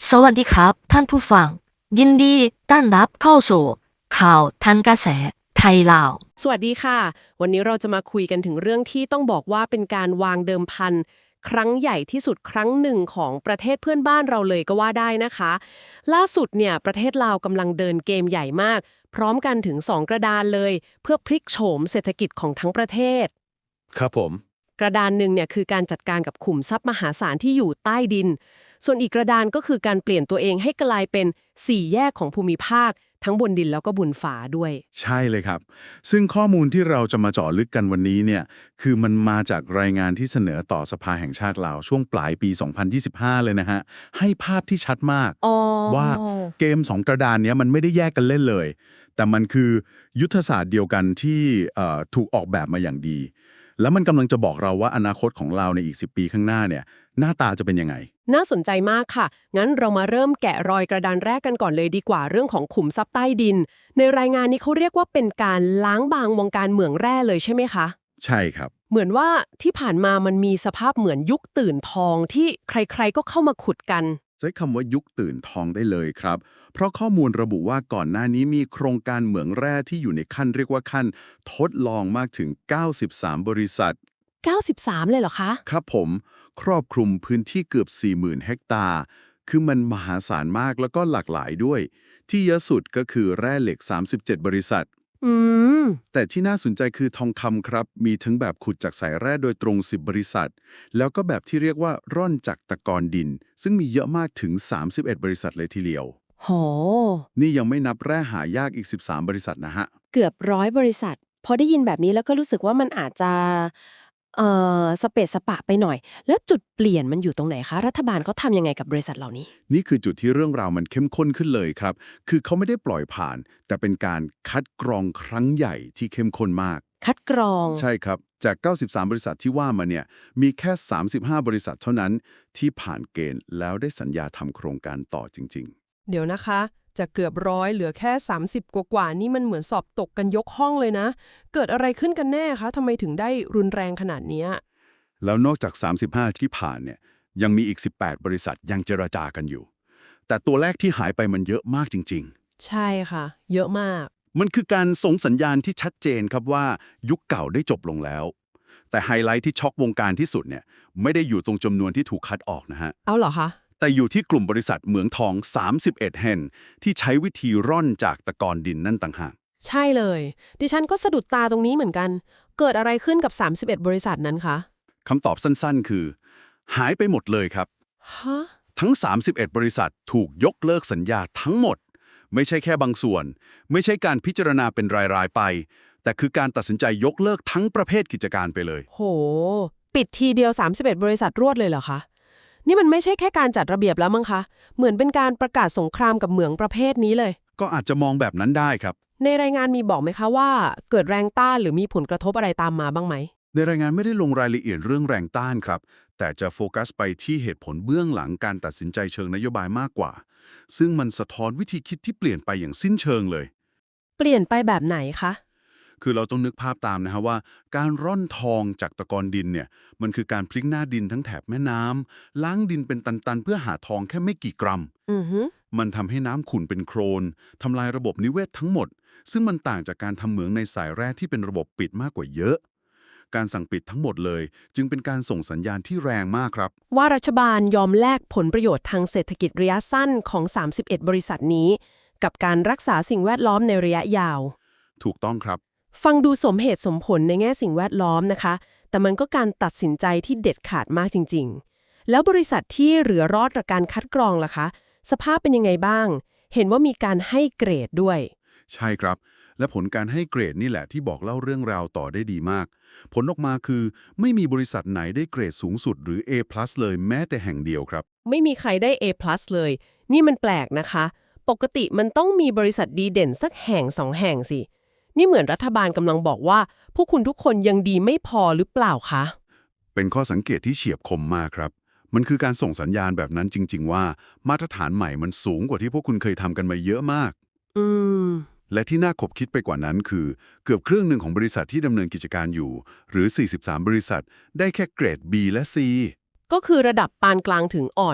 สวัสดีครับท่านผู้ฟังยินดีต้อนรับเข้าสู่ข่าวทันกระแสไทยลาวสวัสดีค่ะวันนี้เราจะมาคุยกันถึงเรื่องที่ต้องบอกว่าเป็นการวางเดิมพันครั้งใหญ่ที่สุดครั้งหนึ่งของประเทศเพื่อนบ้านเราเลยก็ว่าได้นะคะล่าสุดเนี่ยประเทศลาวกำลังเดินเกมใหญ่มากพร้อมกันถึง2กระดานเลยเพื่อพลิกโฉมเศรษฐกิจของทั้งประเทศครับผมกระดานหนึ่งเนี่ยคือการจัดการกับขุมทรัพย์มหาศาลที่อยู่ใต้ดินส่วนอีกกระดานก็คือการเปลี่ยนตัวเองให้กลายเป็น4แยกของภูมิภาคทั้งบนดินแล้วก็บนฟ้าด้วยใช่เลยครับซึ่งข้อมูลที่เราจะมาเจาะลึกกันวันนี้เนี่ยคือมันมาจากรายงานที่เสนอต่อสภาแห่งชาติลาวช่วงปลายปี 2025 เลยนะฮะให้ภาพที่ชัดมากอ๋อว่าเกม2กระดานเนี้ยมันไม่ได้แยกกันเล่นเลย แต่มันคือยุทธศาสตร์เดียวกันที่ถูกออกแบบมาอย่างดี แล้วมันกำลังจะบอกเราว่าอนาคตของเราในอีก10ปีข้างหน้าเนี่ยหน้าตาจะเป็นยังไงน่าสนใจมากค่ะ งั้นเรามาเริ่มแกะรอยกระดานแรกกันก่อนเลยดีกว่าเรื่องของขุมทรัพย์ใต้ดิน ในรายงานนี้เขาเรียกว่าเป็นการล้างบางวงการเหมืองแร่เลยใช่ไหมคะใช่ครับเหมือนว่าที่ผ่านมามันมีสภาพเหมือนยุคตื่นทองที่ใครๆก็เข้ามาขุดกันใช้คำว่ายุคตื่นทองได้เลยครับ เพราะข้อมูลระบุว่าก่อนหน้านี้มีโครงการเหมืองแร่ที่อยู่ในขั้นเรียกว่าขั้นทดลองมากถึง 93 บริษัท 93เลยเหรอคะครับผมครอบคลุมพื้นที่เกือบ 40,000 เฮกตาร์ คือมันมหาศาลมากแล้วก็หลากหลายด้วย ที่เยอะสุดก็คือแร่เหล็ก 37 บริษัทอืมแต่ที่น่าสนใจคือทองคำครับ มีทั้งแบบขุดจากสายแร่โดยตรง 10 บริษัท แล้วก็แบบที่เรียกว่าร่อนจากตะกอนดิน ซึ่งมีเยอะมากถึง 31 บริษัทเลยทีเดียวโหนี่ยังไม่นับแร่หายากอีก 13 บริษัทนะฮะเกือบ100บริษัทพอได้ยินแบบนี้แล้วก็รู้สึกว่ามันอาจจะสเปะสปะไปหน่อยแล้วจุดเปลี่ยนมันอยู่ตรงไหนคะรัฐบาลเขาทำยังไงกับบริษัทเหล่านี้นี่คือจุดที่เรื่องราวมันเข้มข้นขึ้นเลยครับ คือเขาไม่ได้ปล่อยผ่าน แต่เป็นการคัดกรองครั้งใหญ่ที่เข้มข้นมากคัดกรองใช่ครับ จาก 93 บริษัทที่ว่ามาเนี่ย มีแค่ 35 บริษัทเท่านั้นที่ผ่านเกณฑ์แล้วได้สัญญาทำโครงการต่อจริงเดี๋ยวนะคะจากเกือบ100เหลือแค่30กว่าๆนี่มันเหมือนสอบตกกันยกห้องเลยนะเกิดอะไรขึ้นกันแน่คะทำไมถึงได้รุนแรงขนาดเนี้ยๆ แล้วนอกจาก 35 ที่ผ่านเนี่ย ยังมีอีก 18 บริษัทยังเจรจากันอยู่ แต่ตัวแรกที่หายไปมันเยอะมากจริงๆใช่ค่ะเยอะมากมันคือการส่งสัญญาณที่ชัดเจนครับว่ายุคเก่าได้จบลงแล้ว แต่ไฮไลท์ที่ช็อกวงการที่สุดเนี่ยไม่ได้อยู่ตรงจำนวนที่ถูกคัดออกนะฮะเอาเหรอคะแต่อยู่ที่กลุ่มบริษัทเหมืองทอง 31 แห่งที่ใช้วิธีร่อนจากตะกอนดินนั่นต่างหากใช่เลยดิฉันก็สะดุดตาตรงนี้เหมือนกันเกิดอะไรขึ้นกับ31บริษัทนั้นคะคำตอบสั้นๆคือ หายไปหมดเลยครับฮะทั้ง 31 บริษัทถูกยกเลิกสัญญาทั้งหมด ไม่ใช่แค่บางส่วน ไม่ใช่การพิจารณาเป็นรายๆไป แต่คือการตัดสินใจยกเลิกทั้งประเภทกิจการไปเลยโหปิดทีเดียว31บริษัทรวดเลยเหรอคะนี่มันไม่ใช่แค่การจัดระเบียบแล้วมั้งคะเหมือนเป็นการประกาศสงครามกับเหมืองประเภทนี้เลยก็อาจจะมองแบบนั้นได้ครับในรายงานมีบอกไหมคะว่าเกิดแรงต้านหรือมีผลกระทบอะไรตามมาบ้างไหมในรายงานไม่ได้ลงรายละเอียดเรื่องแรงต้านครับ แต่จะโฟกัสไปที่เหตุผลเบื้องหลังการตัดสินใจเชิงนโยบายมากกว่า ซึ่งมันสะท้อนวิธีคิดที่เปลี่ยนไปอย่างสิ้นเชิงเลยเปลี่ยนไปแบบไหนคะคือเราต้องนึกภาพตามนะฮะว่าการร่อนทองจากตะกอนดินเนี่ยมันคือการพลิกหน้าดินทั้งแถบแม่น้ำล้างดินเป็นตันๆเพื่อหาทองแค่ไม่กี่กรัมอือฮึมันทำให้น้ำขุ่นเป็นโคลนทำลายระบบนิเวศทั้งหมด ซึ่งมันต่างจากการทำเหมืองในสายแร่ที่เป็นระบบปิดมากกว่าเยอะ การสั่งปิดทั้งหมดเลย จึงเป็นการส่งสัญญาณที่แรงมากครับว่ารัฐบาลยอมแลกผลประโยชน์ทางเศรษฐกิจระยะสั้นของ31บริษัทนี้กับการรักษาสิ่งแวดล้อมในระยะยาวถูกต้องครับฟังดูสมเหตุสมผลในแง่สิ่งแวดล้อมนะคะแต่มันก็การตัดสินใจที่เด็ดขาดมากจริงๆแล้วบริษัทที่เหลือรอดจากการคัดกรองล่ะคะสภาพเป็นยังไงบ้าง เห็นว่ามีการให้เกรดด้วยใช่ครับ และผลการให้เกรดนี่แหละที่บอกเล่าเรื่องราวต่อได้ดีมาก ผลออกมาคือไม่มีบริษัทไหนได้เกรดสูงสุดหรือ A+ เลยแม้แต่แห่งเดียวครับไม่มีใครได้ A+ เลยนี่มันแปลกนะคะปกติมันต้องมีบริษัทดีเด่นสักแห่งสองแห่งสินี่เหมือนรัฐบาลกำลังบอกว่าพวกคุณทุกคนยังดีไม่พอหรือเปล่าคะเป็นข้อสังเกตที่เฉียบคมมากครับ มันคือการส่งสัญญาณแบบนั้นจริงๆว่ามาตรฐานใหม่มันสูงกว่าที่พวกคุณเคยทำกันมาเยอะมากอืมและที่น่าขบคิดไปกว่านั้นคือเกือบครึ่งหนึ่งของบริษัทที่ดำเนินกิจการอยู่หรือ 43 บริษัทได้แค่เกรด B และ C ก็คือระดับปานกลางถึงอ่อน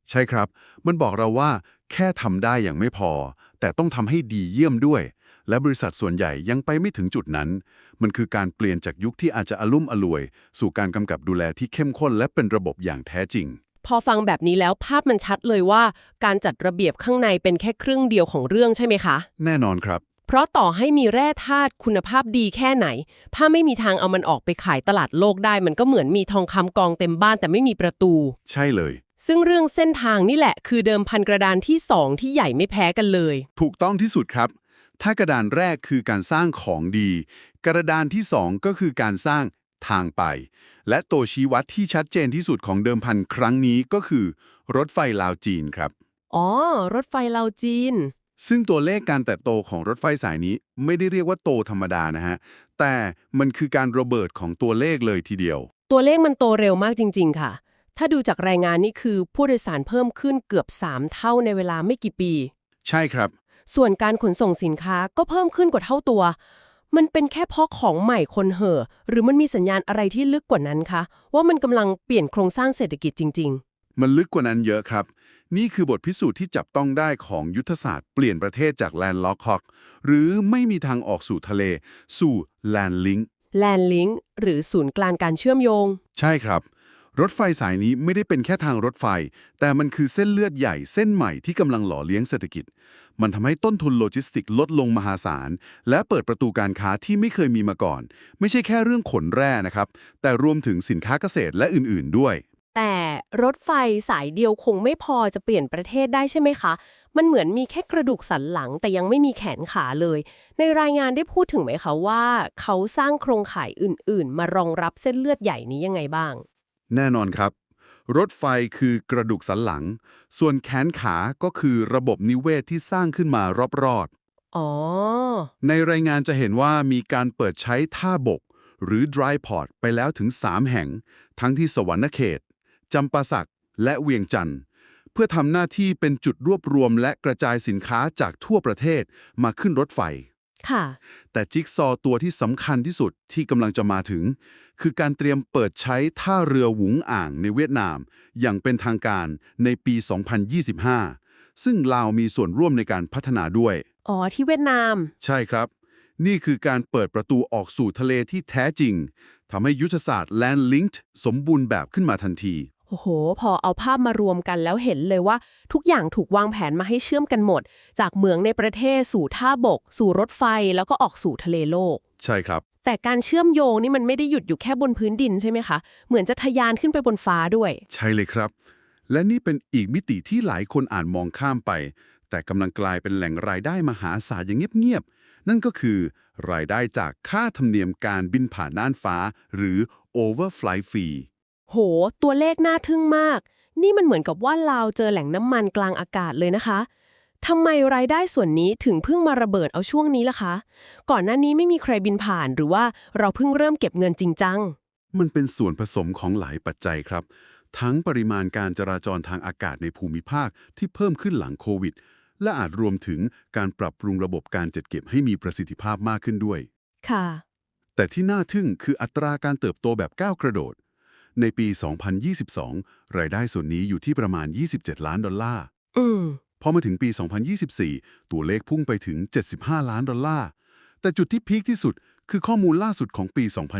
ใช่ครับ มันบอกเราว่าแค่ทำได้อย่างไม่พอ แต่ต้องทำให้ดีเยี่ยมด้วย และบริษัทส่วนใหญ่ยังไปไม่ถึงจุดนั้น มันคือการเปลี่ยนจากยุคที่อาจจะอลุ่มอล่วย สู่การกำกับดูแลที่เข้มข้นและเป็นระบบอย่างแท้จริงพอฟังแบบนี้แล้วภาพมันชัดเลยว่าการจัดระเบียบข้างในเป็นแค่ครึ่งเดียวของเรื่องใช่ไหมคะแน่นอนครับเพราะต่อให้มีแร่ธาตุคุณภาพดีแค่ไหน ถ้าไม่มีทางเอามันออกไปขายตลาดโลกได้ มันก็เหมือนมีทองคำกองเต็มบ้านแต่ไม่มีประตูใช่เลยซึ่งเรื่องเส้นทางนี่แหละคือเดิมพันกระดานที่สองที่ใหญ่ไม่แพ้กันเลยถูกต้องที่สุดครับ ถ้ากระดานแรกคือการสร้างของดี กระดานที่สองก็คือการสร้างทางไป และตัวชี้วัดที่ชัดเจนที่สุดของเดิมพันครั้งนี้ก็คือ รถไฟลาวจีนครับอ๋อ รถไฟลาวจีนซึ่งตัวเลขการเติบโตของรถไฟสายนี้ไม่ได้เรียกว่าโตธรรมดานะฮะ แต่มันคือการระเบิดของตัวเลขเลยทีเดียวตัวเลขมันโตเร็วมากจริงๆค่ะ ถ้าดูจากรายงานนี่คือผู้โดยสารเพิ่มขึ้นเกือบ3เท่าในเวลาไม่กี่ปีใช่ครับส่วนการขนส่งสินค้าก็เพิ่มขึ้นกว่าเท่าตัว มันเป็นแค่เพราะของใหม่คนเห่อ หรือมันมีสัญญาณอะไรที่ลึกกว่านั้นคะ ว่ามันกำลังเปลี่ยนโครงสร้างเศรษฐกิจจริงมันลึกกว่านั้นเยอะครับ นี่คือบทพิสูจน์ที่จับต้องได้ของยุทธศาสตร์เปลี่ยนประเทศจากแลนด์ล็อกฮอกหรือไม่มีทางออกสู่ทะเล สู่แลนด์ลิงๆ Land Link หรือศูนย์กลางการเชื่อมโยงใช่ครับ รถไฟสายนี้ไม่ได้เป็นแค่ทางรถไฟ แต่มันคือเส้นเลือดใหญ่เส้นใหม่ที่กำลังหล่อเลี้ยงเศรษฐกิจ มันทำให้ต้นทุนโลจิสติกลดลงมหาศาล และเปิดประตูการค้าที่ไม่เคยมีมาก่อน ไม่ใช่แค่เรื่องขนแร่นะครับ แต่รวมถึงสินค้าเกษตรและอื่นๆด้วยแต่รถไฟสายเดียวคงไม่พอจะเปลี่ยนประเทศได้ใช่ไหมคะ มันเหมือนมีแค่กระดูกสันหลังแต่ยังไม่มีแขนขาเลย ในรายงานได้พูดถึงไหมคะว่าเขาสร้างโครงข่ายอื่นๆ มารองรับเส้นเลือดใหญ่นี้ยังไงบ้างแน่นอนครับ รถไฟคือกระดูกสันหลัง ส่วนแขนขาก็คือระบบนิเวศที่สร้างขึ้นมารอบๆอ๋อในรายงานจะเห็นว่ามีการเปิดใช้ท่าบก หรือ dry port ไปแล้วถึง 3 แห่ง ทั้งที่สวรรณเขต จำปาสัก และเวียงจันทร์เพื่อทำหน้าที่เป็นจุดรวบรวมและกระจายสินค้าจากทั่วประเทศมาขึ้นรถไฟค่ะแต่จิ๊กซอว์ตัวที่สำคัญที่สุดที่กำลังจะมาถึง คือการเตรียมเปิดใช้ท่าเรือหวุงอ่างในเวียดนาม อย่างเป็นทางการในปี 2025 ซึ่งลาวมีส่วนร่วมในการพัฒนาด้วยอ๋อ ที่เวียดนามใช่ครับ นี่คือการเปิดประตูออกสู่ทะเลที่แท้จริง ทำให้ยุทธศาสตร์ Land Linked สมบูรณ์แบบขึ้นมาทันทีโอ้โห พอเอาภาพมารวมกันแล้วเห็นเลยว่าทุกอย่างถูกวางแผนมาให้เชื่อมกันหมด จากเมืองในประเทศสู่ท่าบก สู่รถไฟแล้วก็ออกสู่ทะเลโลกใช่ครับแต่การเชื่อมโยงนี่มันไม่ได้หยุดอยู่แค่บนพื้นดินใช่ไหมคะ เหมือนจะทะยานขึ้นไปบนฟ้าด้วยใช่เลยครับ และนี่เป็นอีกมิติที่หลายคนอ่านมองข้ามไป แต่กำลังกลายเป็นแหล่งรายได้มหาศาลอย่างเงียบๆ นั่นก็คือ รายได้จากค่าธรรมเนียมการบินผ่านน่านฟ้า หรือ Overflight Fee โห ตัวเลขน่าทึ่งมาก นี่มันเหมือนกับว่าลาวเจอแหล่งน้ำมันกลางอากาศเลยนะคะทำไมรายได้ส่วนนี้ถึงเพิ่งมาระเบิดเอาช่วงนี้ล่ะคะ ก่อนหน้านี้ไม่มีใครบินผ่านหรือว่าเราเพิ่งเริ่มเก็บเงินจริงจังมันเป็นส่วนผสมของหลายปัจจัยครับ ทั้งปริมาณการจราจรทางอากาศในภูมิภาคที่เพิ่มขึ้นหลังโควิด และอาจรวมถึงการปรับปรุงระบบการจัดเก็บให้มีประสิทธิภาพมากขึ้นด้วยค่ะแต่ที่น่าทึ่งคืออัตราการเติบโตแบบก้าวกระโดด ในปี 2022 รายได้ส่วนนี้อยู่ที่ประมาณ 27 ล้านดอลลาร์อืมพอมาถึงปี 2024 ตัวเลขพุ่งไปถึง 75 ล้านดอลลาร์ แต่จุดที่พีคที่สุดคือข้อมูลล่าสุดของปี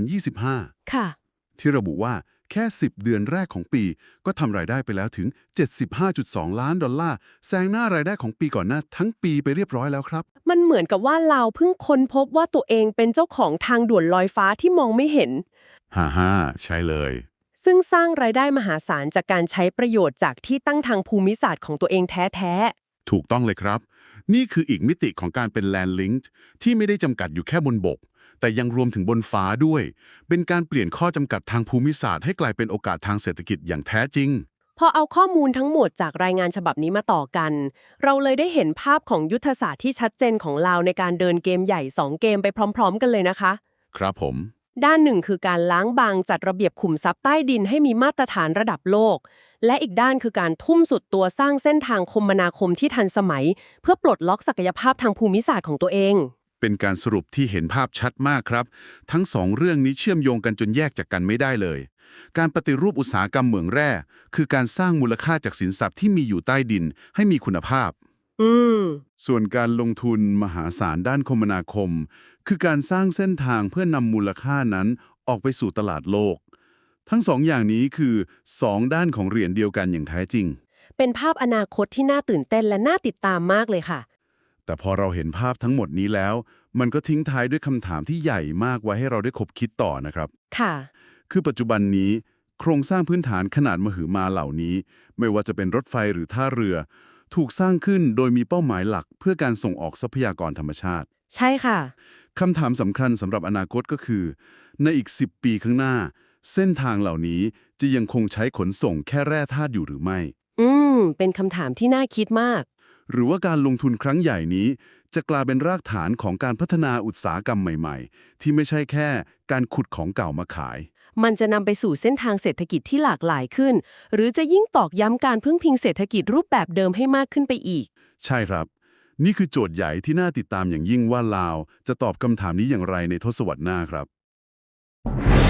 2025 ค่ะที่ระบุว่าแค่ 10 เดือนแรกของปี ก็ทำรายได้ไปแล้วถึง 75.2 ล้านดอลลาร์ แซงหน้ารายได้ของปีก่อนหน้าทั้งปีไปเรียบร้อยแล้วครับมันเหมือนกับว่าเราเพิ่งค้นพบว่าตัวเองเป็นเจ้าของทางด่วนลอยฟ้าที่มองไม่เห็นฮ่าใช่เลยซึ่งสร้างรายได้มหาศาลจากการใช้ประโยชน์จากที่ตั้งทางภูมิศาสตร์ของตัวเองแท้ถูกต้องเลยครับ นี่คืออีกมิติของการเป็น Land Linked ที่ไม่ได้จำกัดอยู่แค่บนบก แต่ยังรวมถึงบนฟ้าด้วย เป็นการเปลี่ยนข้อจำกัดทางภูมิศาสตร์ให้กลายเป็นโอกาสทางเศรษฐกิจอย่างแท้จริงๆ พอเอาข้อมูลทั้งหมดจากรายงานฉบับนี้มาต่อกัน เราเลยได้เห็นภาพของยุทธศาสตร์ที่ชัดเจนของเราในการเดินเกมใหญ่2เกมไปพร้อมๆ กันเลยนะคะครับผมด้านหนึ่งคือการล้างบางจัดระเบียบขุมทรัพย์ใต้ดินให้มีมาตรฐานระดับโลก และอีกด้านคือการทุ่มสุดตัวสร้างเส้นทางคมนาคมที่ทันสมัย เพื่อปลดล็อกศักยภาพทางภูมิศาสตร์ของตัวเองเป็นการสรุปที่เห็นภาพชัดมากครับ ทั้งสองเรื่องนี้เชื่อมโยงกันจนแยกจากกันไม่ได้เลยการปฏิรูปอุตสาหกรรมเหมืองแร่คือการสร้างมูลค่าจากสินทรัพย์ที่มีอยู่ใต้ดินให้มีคุณภาพอืมส่วนการลงทุนมหาศาลด้านคมนาคม คือการสร้างเส้นทางเพื่อนำมูลค่านั้นออกไปสู่ตลาดโลก ทั้งสองอย่างนี้คือสองด้านของเหรียญเดียวกันอย่างแท้จริงเป็นภาพอนาคตที่น่าตื่นเต้นและน่าติดตามมากเลยค่ะแต่พอเราเห็นภาพทั้งหมดนี้แล้ว มันก็ทิ้งท้ายด้วยคำถามที่ใหญ่มากไว้ให้เราได้คบคิดต่อนะครับค่ะคือปัจจุบันนี้โครงสร้างพื้นฐานขนาดมหึมาเหล่านี้ ไม่ว่าจะเป็นรถไฟหรือท่าเรือ ถูกสร้างขึ้นโดยมีเป้าหมายหลักเพื่อการส่งออกทรัพยากรธรรมชาติใช่ค่ะคำถามสำคัญสำหรับอนาคตก็คือ ในอีก 10 ปีข้างหน้า เส้นทางเหล่านี้จะยังคงใช้ขนส่งแค่แร่ธาตุอยู่หรือไม่เป็นคำถามที่น่าคิดมากหรือว่าการลงทุนครั้งใหญ่นี้ จะกลายเป็นรากฐานของการพัฒนาอุตสาหกรรมใหม่ๆ ที่ไม่ใช่แค่การขุดของเก่ามาขายมันจะนำไปสู่เส้นทางเศรษฐกิจที่หลากหลายขึ้น หรือจะยิ่งตอกย้ำการพึ่งพิงเศรษฐกิจรูปแบบเดิมให้มากขึ้นไปอีกใช่ครับ นี่คือโจทย์ใหญ่ที่น่าติดตามอย่างยิ่งว่าลาวจะตอบคำถามนี้อย่างไรในทศวรรษหน้าครับ